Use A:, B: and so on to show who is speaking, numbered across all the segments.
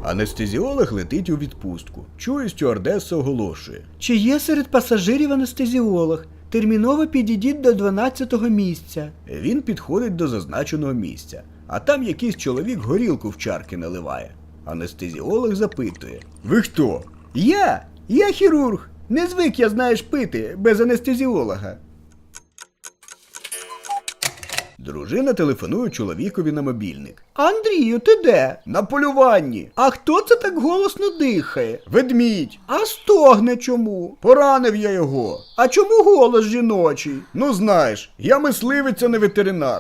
A: Анестезіолог летить у відпустку. Чує, стюардеса оголошує.
B: Чи є серед пасажирів анестезіолог? Терміново підійдіть до 12-го місця.
A: Він підходить до зазначеного місця, а там якийсь чоловік горілку в чарки наливає. Анестезіолог запитує. Ви хто? Я хірург. Не звик я, знаєш, пити без анестезіолога. Дружина телефонує чоловікові на мобільник.
B: Андрію, ти де?
A: На полюванні.
B: А хто це так голосно дихає?
A: Ведмідь.
B: А стогне чому?
A: Поранив я його.
B: А чому голос жіночий?
A: Ну знаєш, я мисливець, а не ветеринар.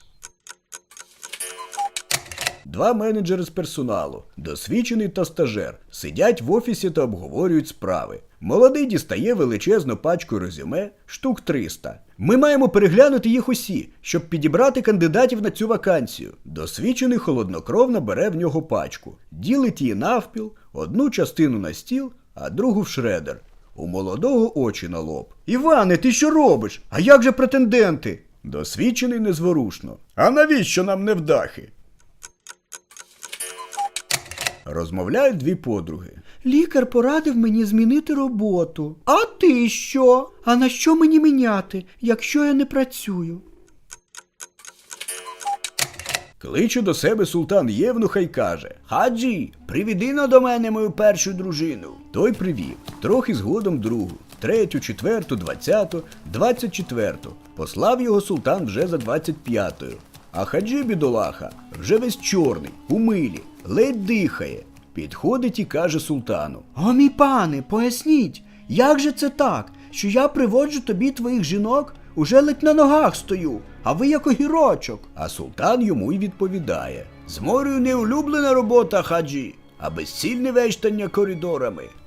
A: Два менеджери з персоналу, досвідчений та стажер, сидять в офісі та обговорюють справи. Молодий дістає величезну пачку резюме, штук 300. Ми маємо переглянути їх усі, щоб підібрати кандидатів на цю вакансію. Досвідчений холоднокровно бере в нього пачку, ділить її навпіл, одну частину на стіл, а другу в шредер. У молодого очі на лоб.
B: Іване, ти що робиш? А як же претенденти?
A: Досвідчений незворушно. А навіщо нам невдахи? Розмовляють дві подруги.
B: Лікар порадив мені змінити роботу. А ти що? А на що мені міняти, якщо я не працюю?
A: Кличе до себе султан Євнуха й каже: «Хаджі, приведи-но до мене мою першу дружину». Той привів, трохи згодом другу, третю, четверту, 20-ту, 24-ту. Послав його султан вже за 25-ю. А Хаджі, бідолаха, вже весь чорний, у милі, ледь дихає. Підходить і каже султану:
B: О, мій пане, поясніть, як же це так, що я приводжу тобі твоїх жінок, уже ледь на ногах стою, а ви як огірочок?
A: А султан йому й відповідає: «З морю не улюблена робота, хаджі, а безцільне вештання коридорами.